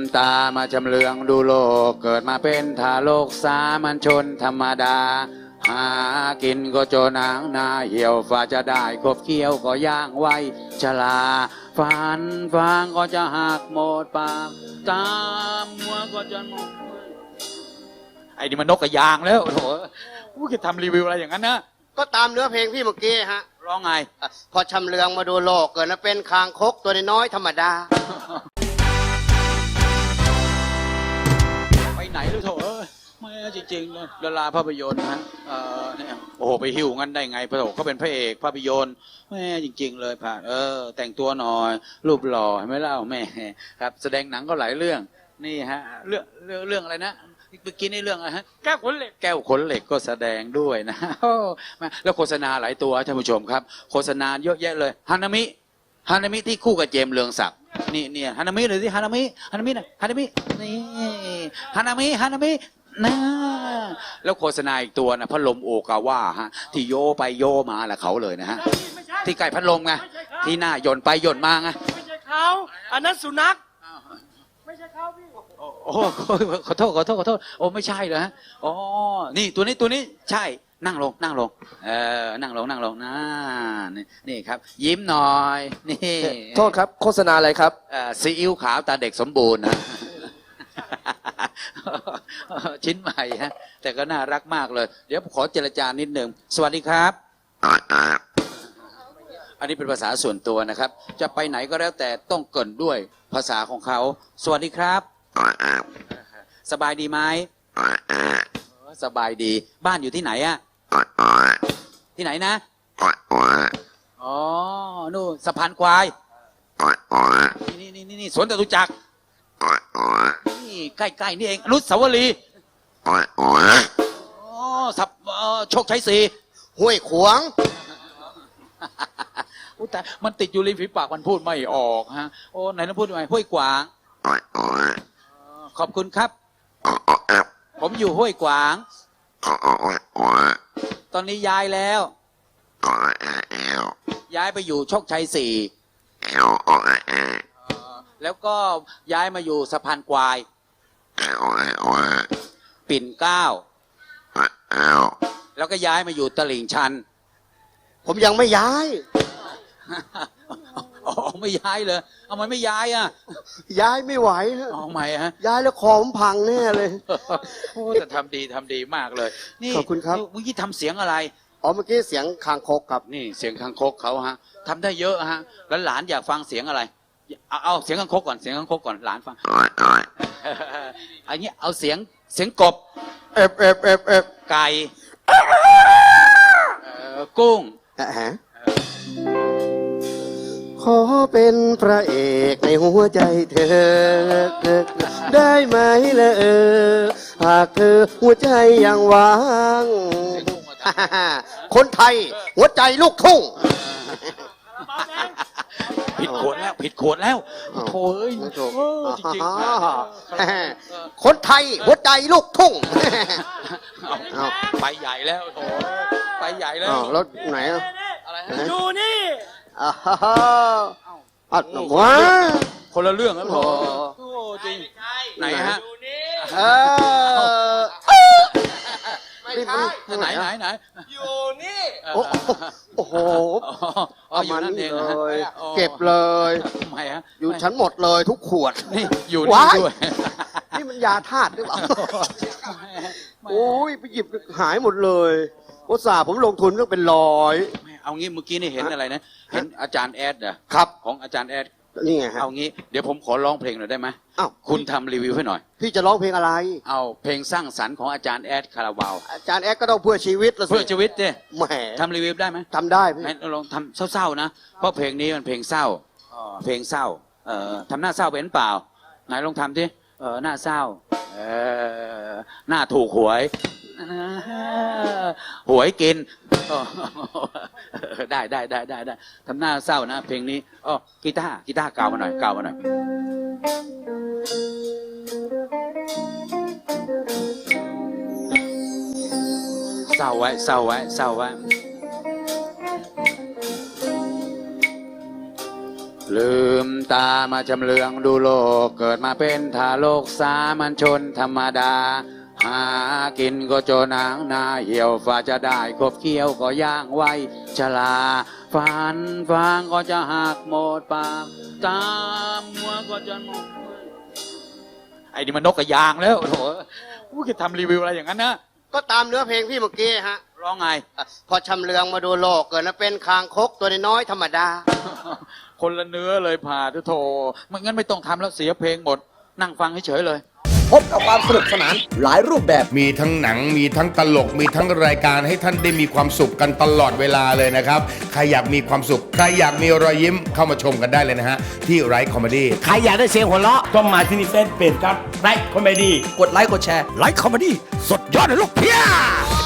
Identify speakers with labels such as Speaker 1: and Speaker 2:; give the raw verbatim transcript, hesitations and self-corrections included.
Speaker 1: ตามาจำเลืองดูโลกเกิดมาเป็นทารกสามัญชนธรรมดาหากินก็โจนางนาเหี่ยวฝ่าจะได้คบเคี้ยวก็ย่างไว้ชลาฟันฟางก็จะหักหมดปากตามหัวก็จะหมดไอ้นี่มันนกกระยางแล้วโถ่กูจะทำรีวิวอะไรอย่างนั้นนะ
Speaker 2: ก็ตามเนื้อเพลงพี่เมื่อกี้ฮะ
Speaker 1: ร้องไง
Speaker 2: พอชำเลืองมาดูโลกเกิดมาเป็นคางคกตัวน้อยธรรมดา
Speaker 1: ไปไหนลูกโถเอ้ยไม่จริงๆเลยดาราภาพยนตร์นะเออเนี่ยโอ้โหไปหิวงั้นได้ไงพระโถเขาเป็นพระเอกภาพยนตร์แม่จริงๆเลยผ่านเออแต่งตัวหน่อยรูปหล่อเห็นไหมเล่าแม่ครับแสดงหนังก็หลายเรื่องนี่ฮะเรื่องเรื่องเรื่องอะไรนะเมื่อกี้ในเรื่องอะไรฮะแก้วขนเหล็กแก้วขนเหล็กก็แสดงด้วยนะแล้วโฆษณาหลายตัวท่านผู้ชมครับโฆษณาเยอะแยะเลยฮานามิฮานามิที่คู่กับเจมส์เรืองศักดิ์นี่เนี่ยฮานามิเลยสิฮานามิฮานามินะฮานามินี่ฮานามิฮานามินะแล้วโฆษณาอีกตัวนะพัดลมโอกาว่าฮะที่โยไปโยมาแหละเขาเลยนะฮะที่ไก่พัดลมไงที่หน้าย่นไปย่นมาไง
Speaker 3: ไม่ใช่เขาอันนั้นสุนัขไม่ใช่เขาพี่
Speaker 1: โอ้ขอโทษขอโทษขอโทษโอ้ไม่ใช่เหรอฮะอ๋อนี่ตัวนี้ตัวนี้ใช่นั่งลงนั่งลงเออนั่งลงนั่งลงนะนี่นี่ครับยิ้มหน่อยนี่
Speaker 4: โทษครับโฆษณาอะไรครับ
Speaker 1: เอ่อซีอิ๊วขาวตาเด็กสมบูรณ์นะชิ้นใหม่ฮะแต่ก็น่ารักมากเลยเดี๋ยวขอเจรจานิดหนึ่งสวัสดีครับอันนี้เป็นภาษาส่วนตัวนะครับจะไปไหนก็แล้วแต่ต้องเกริ่นด้วยภาษาของเขาสวัสดีครับสบายดีไหมสบายดีบ้านอยู่ที่ไหนอะที่ไหนนะอ๋อนู่นสะพานควายนี่นี่นี่นี่สวนจตุจักรนี่ใกล้ๆนี่เองอนุสาวรีย์อ๋อสับโชคชัยศรี
Speaker 2: ห้วยขวาง
Speaker 1: แต่มันติดอยู่ริมฝีปากมันพูดไม่ออกฮะโอ้ไหนต้องพูดยังไงห้วยขวางขอบคุณครับผมอยู่ห้วยขวางตอนนี้ย้ายแล้วย้ายไปอยู่โชคชัยสี่แล้วก็ย้ายมาอยู่สะพานควายปิ่นเกล้าแล้วก็ย้ายมาอยู่ตลิ่งชัน
Speaker 2: ผมยังไม่ย้าย
Speaker 1: อ๋อไม่ย้ายเลยเอามันไม่ย้ายอ่ะ
Speaker 2: ย้ายไม่ไหวฮะ
Speaker 1: อ๋อไม่ฮะ
Speaker 2: ย้ายแล้วคอผมพังแน่เลย
Speaker 1: โอ้แต่ทำดีทำดีมากเลยนี่
Speaker 2: ขอบคุณครับ
Speaker 1: เมื่อกี้ทำเสียงอะไร
Speaker 2: อ๋อเมื่อกี้เสียงคางคกครับ
Speaker 1: นี่เสียงคางคกเขาฮะทำได้เยอะฮะแล้วหลานอยากฟังเสียงอะไรเอาเอาเสียงคางคกก่อนเสียงคางคกก่อนหลานฟังอันนี้เอาเสียงเสียงกบ
Speaker 2: เอฟเอฟเอฟเอฟ
Speaker 1: ไก่กุ้ง
Speaker 2: ขอเป็นพระเอกในหัวใจเธอได้ไหมล่ะเออหากเธอหัวใจยังว่างคนไทยหัวใจลูกทุ่ง
Speaker 1: ผิดขวดแล้วผิดขวดแล้วโถ่เอ้ยจริง
Speaker 2: ๆคนไทยหัวใจลูกทุ่ง
Speaker 1: ไปใหญ่แล้วโถ่ไปใหญ่แล้ว
Speaker 2: แล้วไหน
Speaker 1: อะไร
Speaker 3: อยู่นี่
Speaker 2: อ้าวอ้าวว้า
Speaker 1: คนละเรื่องแล้วโถ่จริงไหนฮะ
Speaker 2: เออ
Speaker 3: ไม่ใช่
Speaker 1: ไหนไหนไหน
Speaker 3: อยู่นี่
Speaker 2: โอ้โห
Speaker 1: อยู่นั่นเองเลย
Speaker 2: เก็บเลย
Speaker 1: ทำไมฮะ
Speaker 2: อยู่ชั้นหมดเลยทุกขวด
Speaker 1: นี่อยู่นี่ด้วย
Speaker 2: นี่มันยาธาตุหรือเปล่าโอ้ยไปหยิบหายหมดเลยอุตส่าห์ผมลงทุนก็เป็นร้อย
Speaker 1: เอางี้เมื่อกี้นี่เห็นอะไรนะเห็นอาจารย์แอดเหรอ
Speaker 2: ครับ
Speaker 1: ของอาจารย์แอด
Speaker 2: นี่ไง
Speaker 1: เอางี้เดี๋ยวผมขอร้องเพลงหน่อยได้ไหม
Speaker 2: อ้าว
Speaker 1: คุณทำรีวิวให้หน่อย
Speaker 2: พี่จะร้องเพลงอะไร
Speaker 1: เอาเพลงสร้างสรรค์ของอาจารย์แอดคาราบาว
Speaker 2: อาจารย์แอดก็ต้องเพื่อชีวิตละสิ
Speaker 1: เพื่อชีวิตเนี่ย
Speaker 2: แหม
Speaker 1: ทำรีวิวได้ไหม
Speaker 2: ทำได้พี่
Speaker 1: ลองทำเศร้าๆนะเพราะเพลงนี้มันเพลงเศร้าเพลงเศร้าเอ่อทำหน้าเศร้าเป็นเปล่าไหนลองทำดิเออหน้าเศร้าเออหน้าถูกหวยหวยกินได้ได้ได้ได้ได้ทำหน้าเศร้านะเพลงนี้อ๋อกีตาร์กีตาร์เก่ามาหน่อยเก่ามาหน่อยเศร้าไว้เศร้าไว้เศร้าไว้ลืมตามาจำเลืองดูโลกเกิดมาเป็นทารกสามัญชนธรรมดา หากินก็โจนางนาเหี่ยวฝ่าจะได้คบเคี้ยวก็ย่างไว้ชลาฝันฟางก็จะหักหมดปากตามหัวก็จะหมดไอ้นี่มันนกกระยางแล้วโถกูจะทำรีวิวอะไรอย่างนั้นนะ
Speaker 2: ก็ตามเนื้อเพลงพี่เมื่อกี้ฮะ
Speaker 1: ร้องไง
Speaker 2: พอชำเลืองมาดูโลกเกิดมาเป็นคางคกตัวน้อยๆธรรมดา
Speaker 1: คนละเนื้อเลยผ่าโถไม่งั้นไม่ต้องทำแล้วเสียเพลงหมด นั่งฟังเฉยๆเลย
Speaker 5: พบกับความสนุกสนานหลายรูปแบบ
Speaker 6: มีทั้งหนังมีทั้งตลกมีทั้งรายการให้ท่านได้มีความสุขกันตลอดเวลาเลยนะครับใครอยากมีความสุขใครอยากมีรอยยิ้มเข้ามาชมกันได้เลยนะฮะที่ไรคอมเมดี้
Speaker 5: ใครอยากได้เสียงหัวเราะ
Speaker 7: ต้องมาที่นี่เฟซเพจครับไลค์คอมเมดี้
Speaker 5: กดไลค์กดแชร์
Speaker 7: ไลค์คอมเมดี้สดยอดเลยลูกเพีย